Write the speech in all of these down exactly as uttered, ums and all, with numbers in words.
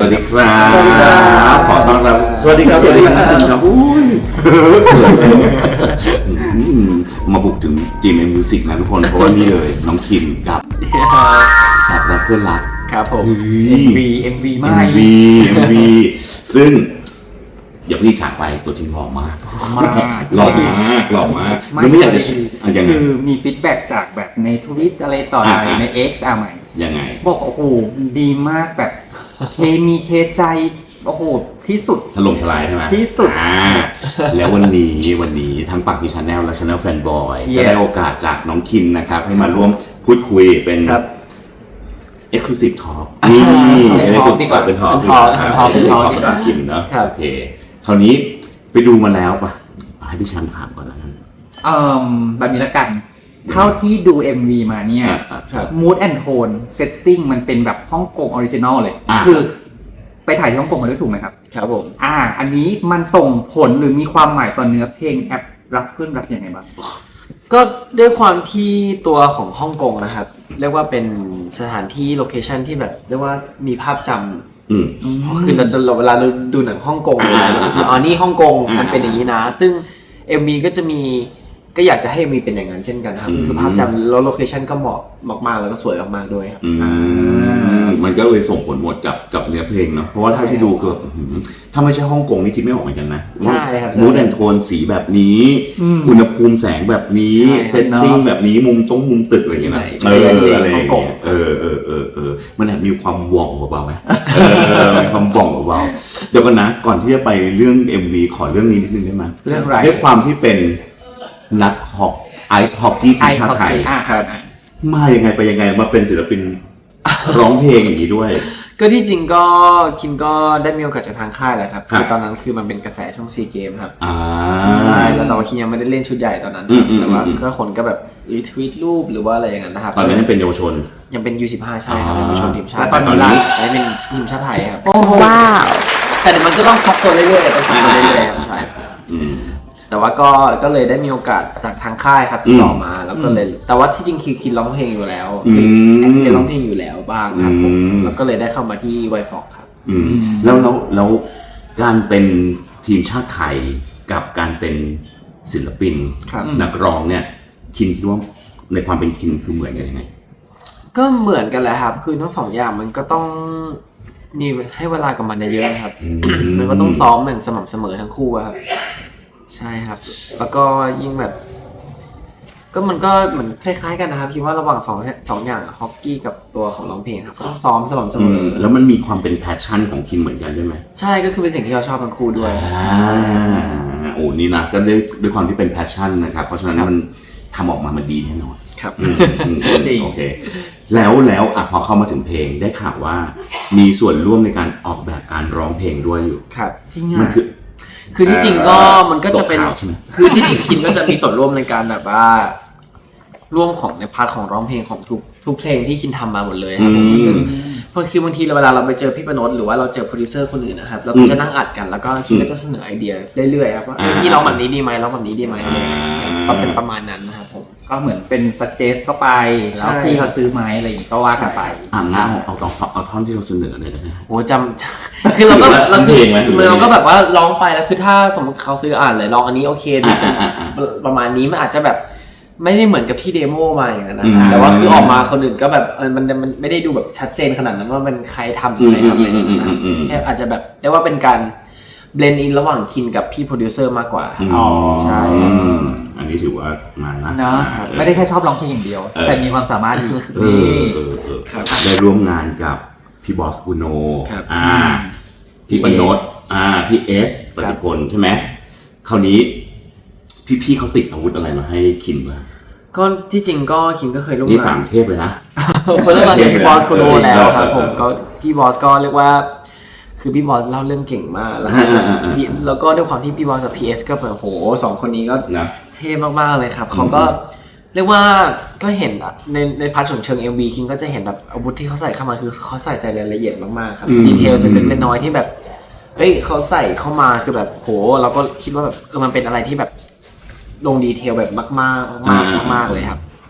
วัสดีครับขอต้อนรับสวัสดีครับสวัสดีครับครับอุ้ยมาบุกถึง จี เอ็ม Music นะทุกคนเพราะว่านี่เลยน้องคิมกับกับรักเพื่อนรักครับผม เอ็ม วี เอ็ม วี ไม่เอ็ม วี เอ็ม วี ซึ่งอย่าพี่ฉากไปตัวจริงหล่อมากมากหล่อมากหล่อมากยังไม่อยากจะคือมีฟีดแบ็กจากแบบในทวิตอะไรต่ออะไรใน X อ่ะใหม่ยังไงบอกโอ้โหดีมากแบบเคมีเคใจโอ้โหที่สุดถล่มทลายใช่ไหมที่สุดแล้ววันนี้วันนี้ทั้งปักที่ชาแนลและชาแนลแฟนบอยก็ได้โอกาสจากน้องคิมนะครับให้มาร่วมพูดคุยเป็นExclusive Talk นี่เป็นทอล์กดีกว่าเป็นทอล์กเป็นทอล์กเป็นทอล์กเป็นทอล์กกับคิมเนาะโอเคคราวนี้ไปดูมาแล้วป่ะให้พี่แชมป์ถามก่อนแล้วกันเอ่อแบบนี้ละกันเท่าที่ดู เอ็ม วี มาเนี่ย Mood and Tone Setting มันเป็นแบบฮ่องกงออริจินอลเลยคือไปถ่ายที่ฮ่องกงมาด้วยถูกไหมครับครับผมอ่าอันนี้มันส่งผลหรือมีความหมายต่อเนื้อเพลงแอปรักเพื่อนรักยังไงบ้างก็ด้วยความที่ตัวของฮ่องกงนะครับเรียกว่าเป็นสถานที่โลเคชันที่แบบเรียกว่ามีภาพจำคือเราจะเวลาเราดูหนังฮ่องกงอ๋อนี่ฮ่องกงมันเป็นอย่างนี้นะซึ่ง เอ็ม วี ก็จะมีก็อยากจะให้มีเป็นอย่างนั้นเช่นกันครับคือภาพจำแล้วโลเคชันก็เหมาะมากๆแล้วก็สวยมากๆด้วยครับมันก็เลยส่งผลหมดกับกับเนื้อเพลงเนาะเพราะว่าถ้าที่ดูคือถ้าไม่ใช่ฮ่องกงนี่คิดไม่ออกเหมือนกันนะใช่ครับมูดแอนโทนสีแบบนี้อุณหภูมิแสงแบบนี้เซตติ้งแบบนี้มุมตรงมุมตึกอะไรอย่างเงี้ยเอออะไรอย่างเงี้ยเออเออเออเออมันแอบมีความว่องเบาๆไหมเออมีความว่องเบาๆเดี๋ยวกันนะก่อนที่จะไปเรื่อง เอ็ม วี ขอเรื่องนี้นิดนึงได้ไหมเรื่องอะไรด้วยความที่เป็นนักฮอกไอซ์ฮอกกี้ทีมชาติไทยมายังไงไปยังไงมาเป็นศิลปินร้องเพลงอย่างนี้ด้วยก็ที่จริงก็คิมก็ได้มีโอกาสจากทางค่ายแหละครับคือตอนนั้นคือมันเป็นกระแสช่วงซีเกมครับใช่แล้วแต่ว่าคิมยังไม่ได้เล่นชุดใหญ่ตอนนั้นแต่ว่าก็คนก็แบบรีทวีตรูปหรือว่าอะไรอย่างนั้นนะครับตอนนั้นยังเป็นเยาวชนยังเป็น ยู สิบห้า ใช่ครับเป็นเยาวชนทีมชาติตอนนี้ได้เป็นทีมชาติไทยครับโอ้ว้าวแต่มันก็ต้องพักตัวเรื่อยๆไปพักตัวเรื่อยๆใช่แต่ว่าก็ก็เลยได้มีโอกาสจากทางค่ายครับติดต่อมาแล้วก็เลยแต่ว่าที่จริงคือคิดร้องเพลงอยู่แล้วแอคเล่นร้องเพลงอยู่แล้วบ้างครับผมแล้วก็เลยได้เข้ามาที่ไวฟอกครับแล้วแล้วแล้วการเป็นทีมชาติไทยกับการเป็นศิลปินนักร้องเนี่ยคิดคิดว่าในความเป็นคิดคือเหมือนกันยังไงก็เหมือนกันแหละครับคือทั้งสองอย่างมันก็ต้องนี่ให้เวลากับมันเยอะๆครับมันก็ต้องซ้อมอย่างสม่ำเสมอทั้งคู่ครับใช่ครับแล้วก็ยิ่งแบบก็มันก็เหมือนคล้ายๆกันนะครับคิดว่าระหว่างสองสองอย่างฮอกกี้กับตัวของร้องเพลงครับก็ต้องซ้อมสม่ำเสมอแล้วมันมีความเป็นแพชชั่นของคิมเหมือนกันใช่ไหมใช่ก็คือเป็นสิ่งที่เราชอบทั้งคู่ด้วยอ่าโอ้นี่นะก็ด้วยด้วยความที่เป็นแพชชั่นนะครับเพราะฉะนั้นมันทำออกมามันดีแน่นอนครับจริงโอเคแล้วแล้วอ่ะพอเข้ามาถึงเพลงได้ข่าวว่ามีส่วนร่วมในการออกแบบการร้องเพลงด้วยอยู่ครับจริงอ่ะมันคือคือที่จริงก็มันก็จะเป็นคือที่จริงคิมก็จะมีส่วนร่วมในการแบบว่าร่วมของในพาร์ทของร้องเพลงของทุกทุกเพลงที่คิมทำมาหมดเลยครับผมซึ่งคือบางทีเวลาเราไปเจอพี่ปนดหรือว่าเราเจอโปรดิวเซอร์คนอื่นนะครับเราก็จะนั่งอัดกันแล้วก็คิมก็จะเสนอไอเดียเรื่อยๆครับว่านี่ร้องแบบนี้ดีไหมร้องแบบนี้ดีไหมก็เป็นประมาณนั้นนะครับผมก็เหมือนเป็น suggest เข้าไปแล้วพี่เขาซื้อไหมอะไรอย่างงี้ก็ว่ากันไปอ่าเอาเอาเอาเอาท่อนที่เราเสนอเลยได้ไหมโอ้จำคือเราก็เราคือเราก็แบบว่าร้องไปแล้วคือถ้าสมมติเขาซื้ออ่านเลยร้องอันนี้โอเคดีประมาณนี้มันอาจจะแบบไม่ได้เหมือนกับที่เดโมมาอย่างนั้นนะแต่ว่าคือออกมาคนอื่นก็แบบมันมันไม่ได้ดูแบบชัดเจนขนาดนั้นว่ามันใครทำหรือใครทำอะไรอย่างเงี้ยแค่อาจจะแบบเรียกว่าเป็นการเบลนด์อินระหว่างคินกับพี่โปรดิวเซอร์มากกว่าอ๋อใช่อันนี้ถือว่ามานะเนาะไม่ได้แค่ชอบร้องเพลงอย่างเดียวแต่มีความสามารถอีกนี่ได้ร่วมงานกับพี่บอสกูโนอ่าพี่ปนดอ่าพี่เอสปฏิพลใช่ไหมคราวนี้พี่ๆเขาติดอาวุธอะไรมาให้คิมบ้างก็ที่จริงก็คิมก็เคยร่วมงานนี่สามเทพเลยนะคนเริ่มมาจากพี่บอสโคโนแล้วครับผมก็พี่บอสก็เรียกว่าคือพี่บอสเล่าเรื่องเก่งมากแล้วแล้วก็ด้วยความที่พี่บอสกับพีเอสก็แบบโหสองคนนี้ก็เท่มากๆเลยครับเขาก็เรียกว่าก็เห็นในในพาร์ทของเชิง เอ็ม วี คิมก็จะเห็นแบบอาวุธที่เขาใส่เข้ามาคือเขาใส่ใจรายละเอียดมากๆครับดีเทลเล็กๆน้อยๆที่แบบเฮ้ยเขาใส่เข้ามาคือแบบโหเราก็คิดว่าแบบเออมันเป็นอะไรที่แบบลงดีเทลแบบมากๆมากๆมากๆเลยครับ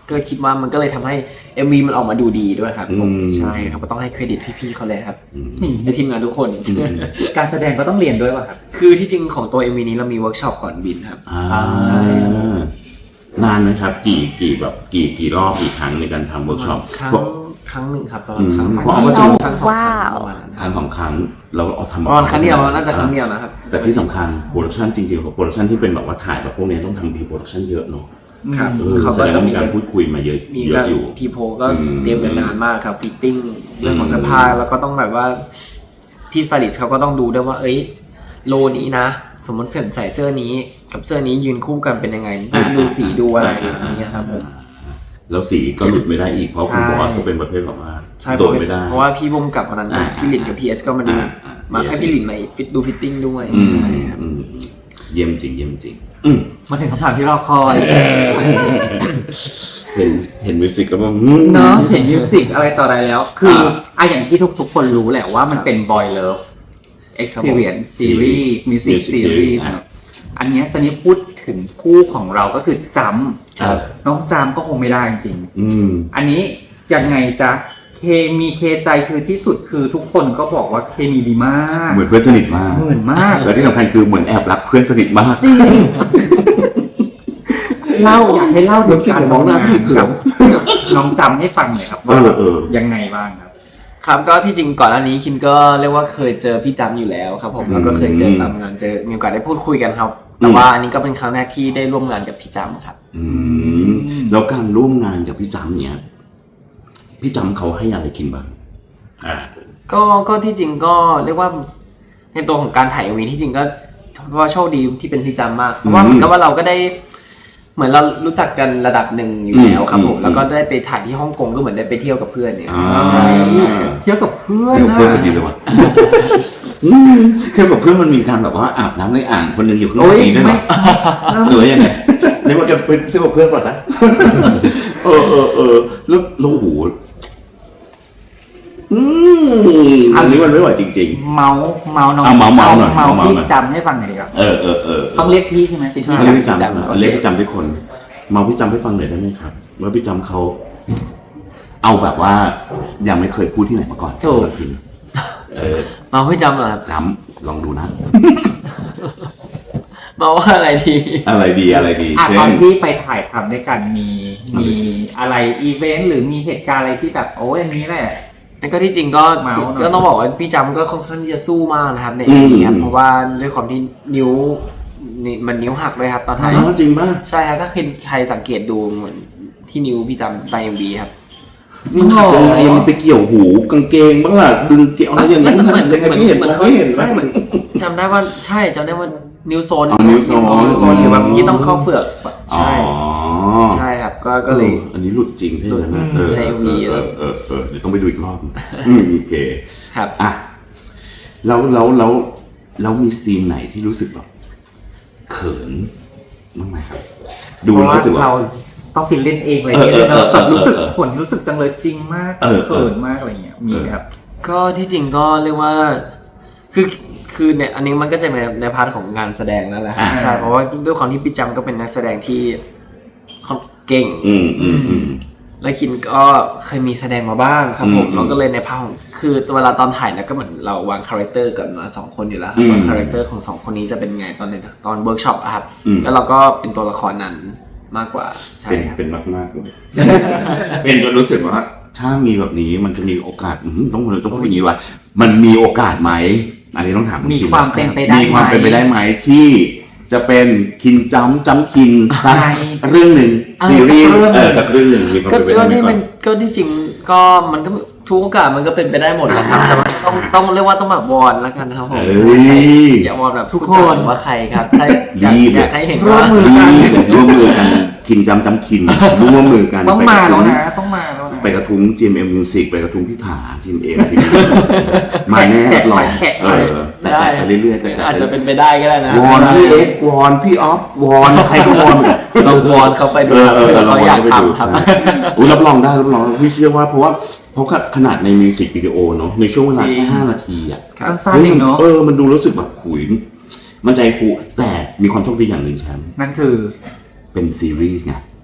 ก็คิดว่ามันก็เลยทำให้ เอ็ม วี มันออกมาดูดีด้วยครับผมอืมใช่ครับก็ต้องให้เครดิตพี่ๆเขาเลยครับอืมในทีมงานทุกคนการแสดงก็ต้องเรียนด้วยป่ะครับคือที่จริงของตัว เอ็ม วี นี้เรามีเวิร์กช็อปก่อนบินครับอ่าใช่ครับนานไหมครับ กี่กี่แบบกี่กี่รอบกี่ครั้งในการทำเวิร์กช็อปครั้งครั้งหนึ่งครับประมาอืณมครั้งสองเพราะครั้งว่าจริงครั้งสองครั้งประมาณนั้นครั้งสองครั้งเราเอาทำประมาณครั้งเดียวน่าจะครั้งเดียวนะครับแต่ที่สำคัญโปรดักชันจริงๆโปรดักชันที่เป็นแบบว่าถ่ายแบบพวกนี้ต้องทำพรีโปรดักชันเยอะเนาะครับเออเขาแสก็ดงจะว่ามีมีการพูดคุยมาเยอะมีเยก็อะอยู่พีโพก็อืมเตรียมกันนานมากครับฟิตติ้งเรื่องของเสื้อผ้าแล้วก็ต้องแบบว่าพี่สไตลิสต์เขาก็ต้องดูด้วยว่า เอ้ยโลนี้นะ สมมติใส่เสื้อนี้กับเสื้อนี้ยืนคู่กันเป็นยังไงดูสีดูอะไรอย่างเงี้ยครับผมแล้วสีก็หลุดไม่ได้อีกเพราะคุณใช่บอสก็เป็นประเภทแบบว่าใช่โดนไม่ได้เพราะว่าพี่บุ้มกับวันนั้นอ่าพี่หลินกับพีเอสก็มาดูอ่าอ่ามาให้พี่หลินมาฟิตดูฟิตติ้งด้วยอืมใช่ครับอืมเยี่ยมจริงเยี่ยมจริงอืมมาถึงคำถามที่รอคอยเห็นเห็นมิวสิกแล้วก็อืมเนาะเห็นมิวสิกอะไรต่ออะไรแล้ว คืออ่ะอย่างที่ทุกๆคนรู้แหละว่ามันเป็น Boy Love Experience Series Music Music Series Series ครับอันเนี้ยจะนี่พูดถึงคู่ของเราก็คือจครับำน้องจำก็คงไม่ได้จริงอืมๆอันนี้ยังไงจ๊ะเคมีเคใจคือที่สุดคือทุกคนก็บอกว่าเคมีดีมากเหมือนเพื่อนสนิทมากเหมือนมากและที่สำคัญคือเหมือนแอบรักเพื่อนสนิทมากจริงเล่าอยากให้เล่าถึงการมองหน้าพี่เขินกับน้องจำให้ฟังหน่อยครับเอว่าอเออยังไงบ้างครับครับก็ที่จริงก่อนหน้านี้คิมก็เรียกว่าเคยเจอพี่จำอยู่แล้วครับผมแล้วก็เคยเจอตามงานเจอมีโอกาสได้พูดคุยกันครับ แต่ว่าอันนี้ก็เป็นครั้งแรกที่ได้ร่วมงานกับพี่จำครับอืมแล้วการร่วมงานกับพี่จำเนี่ยพี่จำเขาให้อะไรกินบ้างอ่าก็ก็ที่จริงก็เรียกว่าในตัวของการถ่ายเอ็มวีที่จริงก็เพราะว่าโชคดีที่เป็นพี่จำมากเพราะว่าเหมือนกับว่าเราก็ได้ เหมือนเรารู้จักกันระดับหนึ่งอยู่แล้วครับผมอืมแล้วก็ได้ไปถ่ายที่ฮ่องกงก็เหมือนได้ไปเที่ยวกับเพื่อนเนี่ยอ่าใช่ใช่เที่ยวกับเพื่อนเที่ยวกับเพื่อนนะกันดีเลยว่ะอืมเที่ยวกับเพื่อนมันมีการแบบว่าอาบน้ำในอ่างคนหนึงอยู่ข้างนอกนี้ด้วยเหรอหรือว่ายังไงเรียกว่าจะเป็นเที่ยวกับเพื่อนก่อนนะเออเออเออแล้วแล้วโอ้โหอืมอันนี้มันไม่ไหวจริงเมาส์เมาส์น้องเอาเมาส์เมาส์หน่อยเมาส์เมาส์พี่หน่อยจำให้ฟังหน่อยดีกว่าๆ เออเออเออต้องเรียกพี่ใช่ไหมเป็นพี่เรียกพี่จำจำใช่ไหมเรียกพี่จำทุกคนเมาพี่จำให้ฟังหน่อยได้ไหมครับว่าพี่จำเขาเอาแบบว่ายังไม่เคยพูดที่ไหนมาก่อนถูกเออมาพี่จำเหรอครับจำลองดูนะมาว่าอะไรดีอะไรดีอะไรดีอ่ะเช่ตอนนที่ไปถ่ายทำด้วยกันมีมันมีอะไรอีเวนต์หรือมีเหตุการณ์อะไรที่แบบโอ้ยอันนี้แหละนั่นก็ที่จริงก็เมาส์หน่อยก็ต้องบอกว่าพี่จำก็ค่อนข้างที่จะสู้มากนะครับในอืเอ็มมวีครับเพราะว่าด้วยความที่นิ้วนี่มันนิ้วหักเลยครับตอนถ่ายอ๋อจริงป่ะใช่ครับถ้าใครสังเกตดูเหมือนที่นิ้วพี่จำไปเอ็มวีครับมันหักยังไงมันไปเกี่ยวหูกางเกงบ้างล่ะดึงเกี่ยวอะไรอย่างนั้นเหมือนยังไงพี่เห็นเหมือนเขาเห็นไหมเหมือนจำได้ว่าใช่จำได้ว่านิ้วโซนอ๋อนิ้วโซนนิ้วโซนหรือแบบที่ต้องเข้าเปลือกอ๋อใช่ใช่ครับก็ก็เลยอออันนี้หลุดจริงใช่ไหมหลุดเออในเออวีเออเออเออเดี๋ยวต้องไปดูอีกรอบอืมโอเคครับอ่ะแล้วแล้วแล้วแล้วมีซีนไหนที่รู้สึกแบบเขินบ้างไหมครับ ดูเพแล้วราะว่ารู้สึกว่าเราต้องไปเล่นเองเลยเออเนี่ยเนาะเออเออแบบรู้สึกเออผลรู้สึกจังเลยจริงมากเออเออเขินมากอะไรเงี้ยมีไหมครับก็ที่จริงก็เรียกว่าคือคือเนี่ยอันนี้มันก็จะในในพาร์ทของงานแสดงแล้วแหละครับอ่าใช่เพราะว่าด้วยความที่พี่จำก็เป็นนักแสดงที่เขาเก่งอืมอืมอืมและคินก็เคยมีแสดงมาบ้างครับผมอืมเราก็เลยในพาร์ทของคือเวลาตอนถ่ายแล้วก็เหมือนเราวางคาแรคเตอร์กับเราสองคนอยู่แล้วครับอืมว่าคาแรคเตอร์ของสองคนนี้จะเป็นไงตอนในตอนเวิร์กช็อปอะครับอืมแล้วเราก็เป็นตัวละครนั้นมากกว่าใช่เป็นครับเป็นมากมากๆเลย เป็นจนรู้สึกว่า ถ้ามีแบบนี้มันจะมีโอกาสอืมต้องต้องพูดอย่างนี้ว่ามันมีโอกาสไหมอันนี้ต้องถามณมีคิความเป็นไปได้มีความเป็นไปได้ไหมที่จะเป็นคินจ้ำจ้ำคินสักในเรื่องหนึ่งเออซีรีส์สักเรื่องหนึ่งเออสักเรื่องหนึ่งมีความก็เป็นไปก็ได้ไหมที่ก่อมัน นก็ที่จริงก็มันก็ทุกโอกาสมันก็เป็นไปได้หมดแหละครับแต่ว่าต้องต้องเรียกว่าต้องแบบวอนแล้วกันนะครับผมเอ้ยอย่าวอนแบบทุกคนหรือว่าใครครับถ้าอยากรีบอเลยยากให้เห็นร่วว่ามมือดีร่วมมือกันคินจ้ำจ้ำคินร่วมมือกันต้องไปมากระแล้วทุ้งนะต้องมาแล้วนะไปกระทุ้ง จี เอ็ม เอ็ม Music ไปกระทุ้งพี่ถา จี เอ็ม เอ็ม ที วีมาแน่รับรองแท็กเอไปอแต่แต่ไปเรื่อยๆแต่แต่อาจจะเป็นไปได้ก็ได้นะวอนพี่เอ็กซ์วอนพี่ออฟวอนใครก็วอนเราวอนเขาไปดูเออเออเขาเราอยากไปดูทำครับใช่อุ๊ยรับรองได้รับรองพี่เชื่อว่าเพราะว่าเพราะขนาดในมิวสิกวิดีโอเนาะในช่วงเวลาแค่ห้านาทีอ่ะสั้นๆเองเนาะเออมันดูรู้สึกแบบขุยมันใจฟูแต่มีความโชคดีอย่างหนึ่งแชมป์นั่นคือเป็นซีรีส์ไง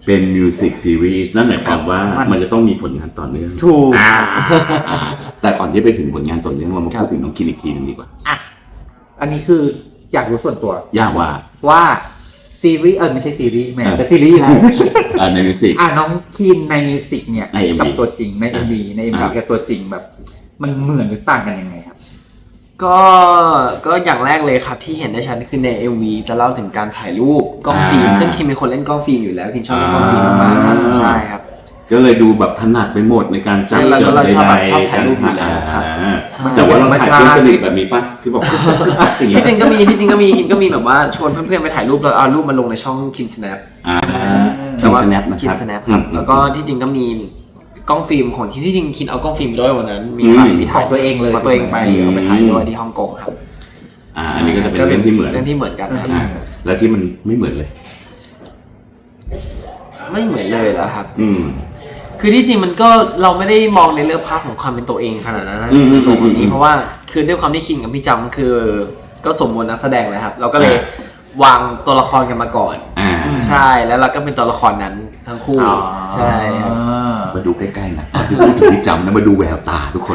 เป็นมิวสิกซีรีส์นั่นหมายความว่ามันจะต้องมีผลงานต่อเนื่องถูกอ่าแต่ก่อนที่ไปถึงผลงานต่อเนื่องเรามาพูดถึงน้องคินอีกทีนึงดีกว่าอ่ะอันนี้คืออยากรู้ส่วนตัวยากว่าว่าซีรีส์เออไม่ใช่ซีรีส์แหม่แต่ซีรีส์นะอ่าในมิวสิกอ่ะน้องคินในมิวสิกเนี่ยใน เอ็ม วีกับตัวจริงใน เอ็ม วี ใน เอ็ม วีอ่ากับตัวจริงแบบ มันเหมือนหรือต่างกันยังไงครับก็ก็อย่างแรกเลยครับที่เห็นได้ชัดคือใน เอ็ม วี จะเล่าถึงการถ่ายรูปกล้องฟิล์มซึ่งคิมเป็นคนเล่นกล้องฟิล์มอยู่แล้วคิมชอบเล่นกล้องฟิล์มมากๆใช่ครับก็เลยดูแบบถนัดไปหมดในการจับแล้วจดเราใดชอบแบบๆชอบถ่ายรูปอยู่แล้วครับอ่าใช่แต่ว่าเราถ่ายเพื่อนสนิทแบบนี้ป่ะคือบอกจับจับอย่างเงี้ที่ยจริงก็มีที่จริงก็มีคิมก็มีแบบว่าชวนเพื่อนๆไปถ่ายรูปแล้วเอารูปมาลงในช่องคิมสแนปอ่าแต่คิมว่าสแนปนะคิคมรับสแนปครับแล้วก็ที่จริงก็มีกล้องฟิล์มของคิมที่จริงคิมเอากล้องฟิล์มด้วยวันนั้นมีถ่ายอืมมีถ่ายของตัวเองเลยของตัวเองไปเอาไปถ่ายด้วยที่ฮ่องกงครับอ่าอันนี้ก็จะเป็นเรื่องที่เหมือนเรื่องที่เหมือนกันครับอ่าแล้วที่มันไม่เหมือนเลยไม่เหมือนเลยแล้วครับอืมคือที่จริงมันก็เราไม่ได้มองในเรื่องภาพของความเป็นตัวเองขนาดนั้นนะอืมอืมตัวคนนี้อืมเพราะว่าคือด้วยความที่คิงกับพี่จำคือก็สมบูรณ์นักแสดงเลยครับ เราก็เลยอ่วางตัวละครกันมาก่อนอ่าใช่แล้วเราก็เป็นตัวละครนั้นทั้งคู่อ๋อใช่ครับมาดูใกล้ๆนะตอนที่พูดถึงที่จำนะมาดูแววตาทุกคน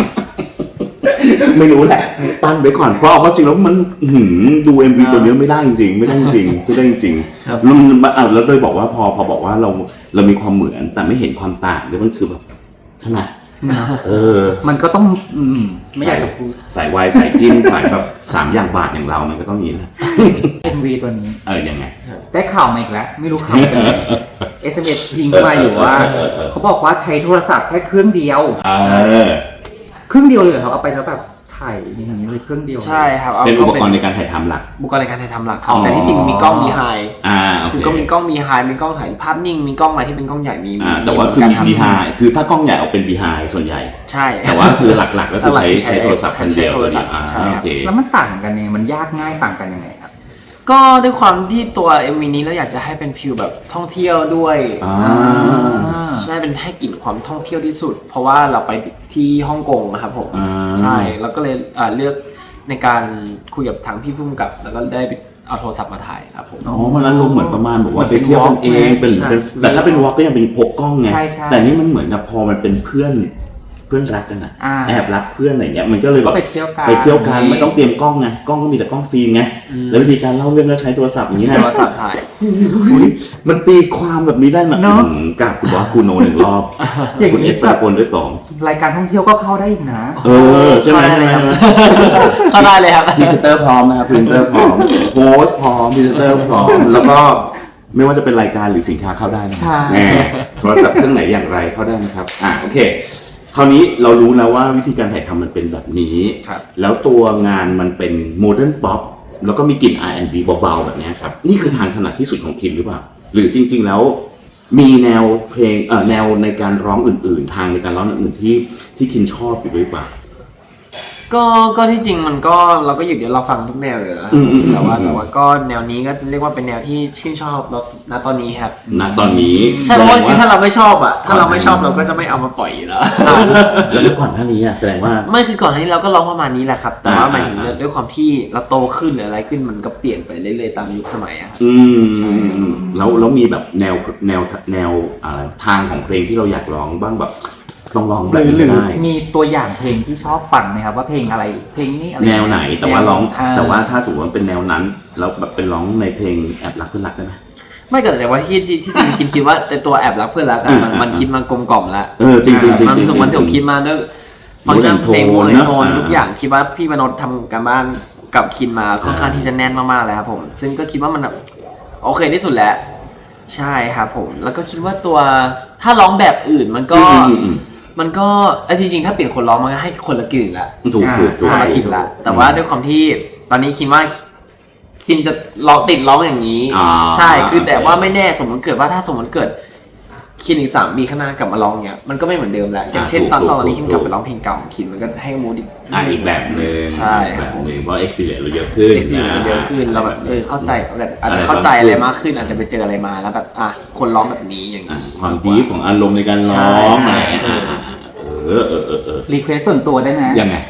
ไม่รู้แหละตั้งไว้ก่อนเพราะเอาเข้าจริงแล้วมันอื้อหือดู เอ็ม วี ตัวนี้ไม่ได้จริงๆไม่ได้จริงๆไม่ได้จริงครับๆแล้วมันอ่ะแล้วเลยบอกว่าพอพอบอกว่าเราเรามีความเหมือนแต่ไม่เห็นความต่างเลยมันคือแบบเท่าไหร่เออมันก็ต้องอืมไม่อยากจะพูดสายวายสายจิ้มสายแบบสามอย่างบาทอย่างเรามันก็ต้องอย่างนี้นะเอ็ม วี ตัวนี้เออยังไงได้ข่าวมาอีกแล้ว ไม่รู้ข่าวกันเลย เอส เอ็ม เอส ยิงเข้ามาอยู่ว่าเออเออเออเขาบอกว่าใช้โทรศัพท์แค่เครื่องเดียวเออเครื่องเดียวเลยเหรอครับเอาไปแล้วแบบถ่ายอย่างนี้เลยเครื่องเดียวใช่ครับเป็นอุปกรณ์ในการถ่ายทำหลักอุปกรณ์ในการถ่ายทำหลักครัอ๋บอแต่ที่จริงมีกล้องมีไฮอ่าโอคือเคก็มีกล้องมีไฮมีกล้องถ่ายภาพนิ่งมีกล้องอะไรที่เป็นกล้องใหญ่มีอ่าแต่ว่าคือมีรทำบีไฮคือถ้ากล้องใหญ่เอาเป็นบีไฮส่วนใหญ่ใช่แต่ว่าคือหลักๆก็คือใช้หลักๆใช้โทรศัพท์คนเดียวใช้โทรศัพท์อ่าใช่ครับโอเคแล้วมันต่างกันยังไงมันยากง่ายต่างกันยังไงครับก็ด้วยความที่ตัว เอ็ม วี นี้เราอยากจะให้เป็นฟิลแบบท่องเที่ยวด้วยอ่าใช่เป็นให้กลิ่นความท่องเที่ยวที่สุด เพราะว่าเราไปที่ฮ่องกงนะครับผมอ่าใช่แล้วก็เลยอ่าเลือกในการคุยกับทางพี่พุ่มกับ แล้วก็ได้ไปเอาโทรศัพท์มาถ่ายครับผมอ๋อมันอารมณ์เหมือนประมาณแบบว่าเหมืไปอนเป็นเที่ยวกันเองเป็นใช่เป็นแต่ถ้าเป็นวอล์กก็ยังเป็นพกกล้องไงใช่ใช่แต่นี่มันเหมือนกับพอมันเป็นเพื่อนเพื่อนรักกันอะอ่าแอบรักเพื่อนอะไรเงี้ยมันก็เลยแบก็บไปเที่ยวกันไปเที่ยวกันไม่ต้องเตรียมกล้องไงกล้องก็มีแต่กล้องฟิล์มไงแล้ววิธีการเล่าเรื่องก็ใช้โทรศัพท์อย่างนี้นะโทรศัพท์ถ่ายอุ๊ยมันตีความแบบนี้ได้นะเนอะอืมกับคุณบอสคุณโนหนึ่งรอบอย่างคุณเอนี้สแบปาบกลด้วยสองรายการท่องเที่ยวก็เข้าได้อีกนะเออใช่ไหมเข้าได้ใช่ไหมเลยครับ เข้าได้เลยครับพรีเซนเตอร์พร้อมนะครับพรีเซนเตอร์พร้อมโค้ชพร้อมพรีเซนเตอร์พร้อมแล้วก็ไม่ว่าจะเป็นรายการหรือสินค้าเข้าได้นะใช่แน่โทรศัพท์เครื่องไหนอย่างไรเข้าได้นะครับอ่ะโอเค คราวนี้เรารู้แล้วว่าวิธีการถ่ายทำมันเป็นแบบนี้ครับแล้วตัวงานมันเป็นโมเดิร์นป๊อปแล้วก็มีกลิ่น อาร์ แอนด์ บี เบาๆแบบเนี้ยครับนี่คือทางถนัดที่สุดของคิมหรือเปล่าหรือจริง ๆแล้ว มีแนวเพลงเอ่อแนวในการร้องอื่นๆ ทางในการร้องอื่นๆที่ที่คิมชอบอยู่หรือเปล่าก็ก็ที่จริงมันก็เราก็อยู่เดี๋ยวเราฟังทุกแนวเลยนะอืมอืมอืมแต่ว่าแต่ว่าก็แนวนี้ก็เรียกว่าเป็นแนวที่ชื่นชอบเราณตอนนี้ครับณตอนนี้ใช่เพราะว่าแสดงถ้าเราไม่ชอบอ่ะถ้าเราไม่ชอบเราก็จะไม่เอามาปล่อยอยู่แล้วแล้วก่อนหน้านี้อ่ะแสดงว่าไม่คือก่อนหน้านี้เราก็ร้องประมาณนี้แหละครับ แต่ว่าอ่าหมายถึงอ่าด้วยความที่เราโตขึ้นหรืออะไรขึ้นมันก็เปลี่ยนไปเรื่อยๆตามยุคสมัยอะครับอืมแล้วแล้วมีแบบแนวแนวแนวอะไรทางของเพลงที่เราอยากร้องบ้างแบบลองร้องหแบบรือนี้หรือได้มีตัวอย่างเพลงที่ชอบฟังไหมครับว่าเพลงอะไรเพลงนี้อะไรแนวไหนแต่ว่าร้องอ่แต่ว่าถ้าสมมติว่าเป็นแนวนั้นแล้วแบบเป็นร้องในเพลงแอบรักเพื่อนรักได้ไหมไม่เกิดแต่ว่าที่ที่ที่จริงคิดคิดว่าแต่ตัวแอบรักเพื่อนรักอะมันอ่ามัมันคิดมากลมกล่อมแล้วเออจริงจริงจริงมันจริงถูกมันถูกคิดมาด้วยฟังก์ชันเพลงโม Mood เล and โท Tone นนะทุกอย่างคิดว่าพี่มโนทำการบ้านกับคินมาค่อนข้างที่จะแน่นมากๆเลยครับผม ซึ่งก็คิดว่ามันแบบโอเคที่สุดแล้วใช่ครับผม แล้วก็คิดว่าตัวถ้าร้องแบบอื่นมันก็อืมอืมอืมมันก็ไอ้จริงๆถ้าเปลี่ยนคนร้องมันก็ให้คนละกลิ่นละถูกถูกถูกคนละกลิ่นละแต่ว่าด้วยความที่ตอนนี้คิดว่าคินจะร้องติดร้องอย่างนี้อ่าใช่คือแต่ว่าไม่แน่สมมติเกิดว่าถ้าสมมติเกิดคินอีกสามปีข้างหน้ากลับมาร้องเนี้ยมันก็ไม่เหมือนเดิมแล้วอย่างเช่นตอนตอนนี้คินกลับไปร้องเพลงเก่าของคินมันก็ให้มูดอีกอ่ะอีกแบบหนึ่งใช่อีกแบบหนึ่งเพราะ experience เราเยอะขึ้นเอ็กซ์พีนะเยอะขึ้นเราแบบเออเข้าใจแบบอาจอะไรจะเข้าใจบางอะไรมากขึ้นอาจจะไปเจออะไรมาแล้วแบบอ่ะคนร้องแบบนี้อย่างอ่ะนี้ความดีของอารมณ์ในการร้องใช่อะไรอ่ะอ่ะอ่ะเออเออเออเออรีเควสส่วนตัวได้นะยังไง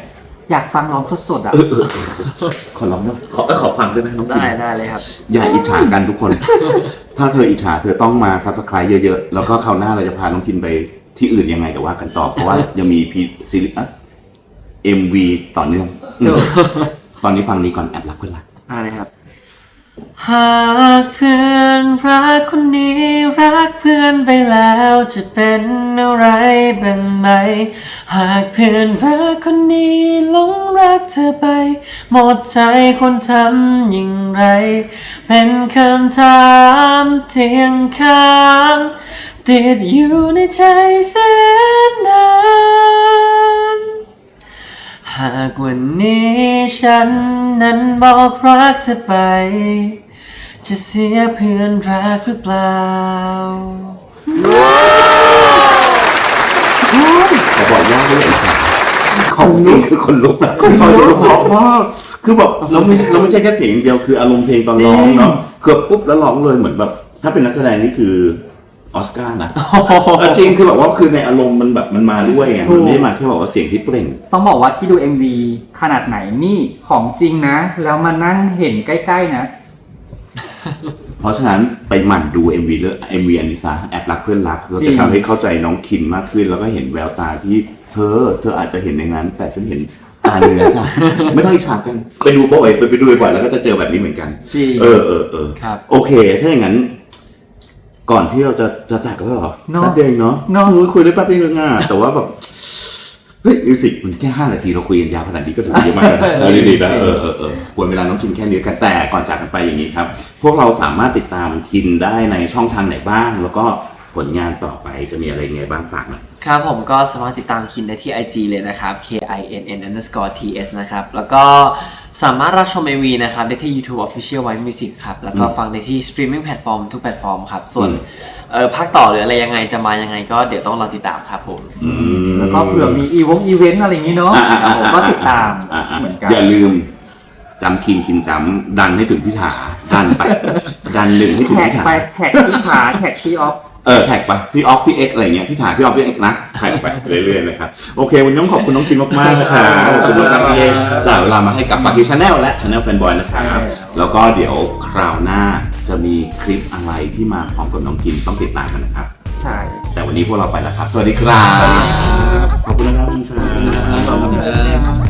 อยากฟังร้องสดๆอ่ะเออเออขอร้องนะขอเออขอฟังได้ไหมน้องพิมได้ได้เลยครับอย่าอิจฉากันทุกคน ถ้าเธออิจฉาเธอต้องมาซับสไครต์เยอะๆ แล้วก็คราวหน้าเราจะพาน้องพิมไปที่อื่นยังไงเดี๋ยวว่ากันต่อ เพราะว่ายังมีพีซีรีส์เอ็มวีต่อเนื่องอืมตอนนี้ฟังนี้ก่อนแอบรักเพื่อนรักได้เลยครับ หากเพื่อนรักคนนี้รักเพื่อนไปแล้วจะเป็นอะไรบ้างไหมหากเพื่อนรักคนนี้หลงรักเธอไปหมดใจคนทำอย่างไรเป็นคำถามเที่ยงค้างติดอยู่ในใจแสนนานหากวันนี้ฉันนั้นบอกรักเธอไปจะเสียเพื่อนรักหรือเปล่าเขาบอกยากด้วยอิจฉาของจริงคือคนลุกนะเขาจะเพราะมากคือแบบเราไม่เราไม่ใช่แค่เสียงอย่างเดียวคืออารมณ์เพลงตอนร้องเนาะเกือบปุ๊บแล้วร้องเลยเหมือนแบบถ้าเป็นนักแสดงนี่คือออสการ์นะจริงคือแบบว่าคือในอารมณ์มันแบบมันมาด้วยไงมันไม่ได้มาแค่บอกว่าเสียงที่เปล่งต้องบอกว่าที่ดู เอ็ม วี ขนาดไหนนี่ของจริงนะ แล้วมานั่งเห็นใกล้ๆนะเพราะฉะนั้นไปหมั่นดู เอ็ม วี เรื่อง เอ็ม วี อันนี้ซะแอบรักเพื่อนรักเราจริจะงทำให้เข้าใจน้องคินมากขึ้น แล้วก็เห็นแววตาที่เธอ เธออาจจะเห็นในนั้น แต่ฉันเห็นตาเนื้อจ้ะ ไม่ต้องอิจฉากัน ไปดูบ่อยไปไปดูบ่อยแล้วก็จะเจอแบบนี้เหมือนกันจริงเออเออเออครับโอเค ถ้าอย่างนั้น ก่อนที่เราจะจะจากกันแล้วเหรอเนอะแป๊บเดียวเองเนาะเนอะโอ้ยคุยได้แป๊บเดียวเองอ่ะแต่ว่าแบบเฮ้ยมิวสิกมันแค่ห้านาทีเราคุยกันยาวขนาดนี้ก็ถือว่าเยอะมากนะเออดีๆนะเออเออเออควรเวลาน้องคินแค่นี้กันแต่ก่อนจากกันไปอย่างนี้ครับ พวกเราสามารถติดตามคินได้ในช่องทางไหนบ้าง แล้วก็ผลงานต่อไปจะมีอะไรไงบ้างฝากหน่อยครับผมก็สามารถติดตามคินได้ที่ ไอ จี เลยนะครับ เค ไอ เอ็น เอ็น underscore ที เอส นะครับ แล้วก็สามารถรับชม เอ็ม วี นะครับได้ที่ YouTube Official White Music ครับ แล้วก็ฟังได้ที่ streaming platform ทุกแพลตฟอร์มครับ ส่วนอืมเออภาคต่อหรืออะไรยังไงจะมายังไงก็เดี๋ยวต้องรอติดตามครับผมอืมแล้วก็เผื่อมีอีวงอีเวนต์อะไรอย่างนี้เนาะอ่าอ่าอ่าผมก็ติดตามอ่าอ่าเหมือนกันอย่าลืมจำคินคินจำดันให้ถึงพิธาดันไป ดันลึงให้ถึงแท็กพิธาไปแท็กที่ขาแท็กที่ออฟเออแท็กไปพี่ออฟพี่เอ็กอะไรเงี้ยพี่ถาพี่ออฟพี่เอ็กนะแท็กไปเรื่อยๆนะครับโอเควันนี้ต้องขอบคุณน้องกินมากๆนะครับขอบคุณมากๆที่สละเวลามาให้กับปากีชาแนลและชาแนลแฟนบอยนะครับแล้วก็เดี๋ยวคราวหน้าจะมีคลิปอะไรที่มาพร้อมกับน้องกินต้องติดตามกันนะครับใช่แต่วันนี้พวกเราไปแล้วครับ สวัสดีครับขอบคุณนะครับคุณครับขอบคุณครับ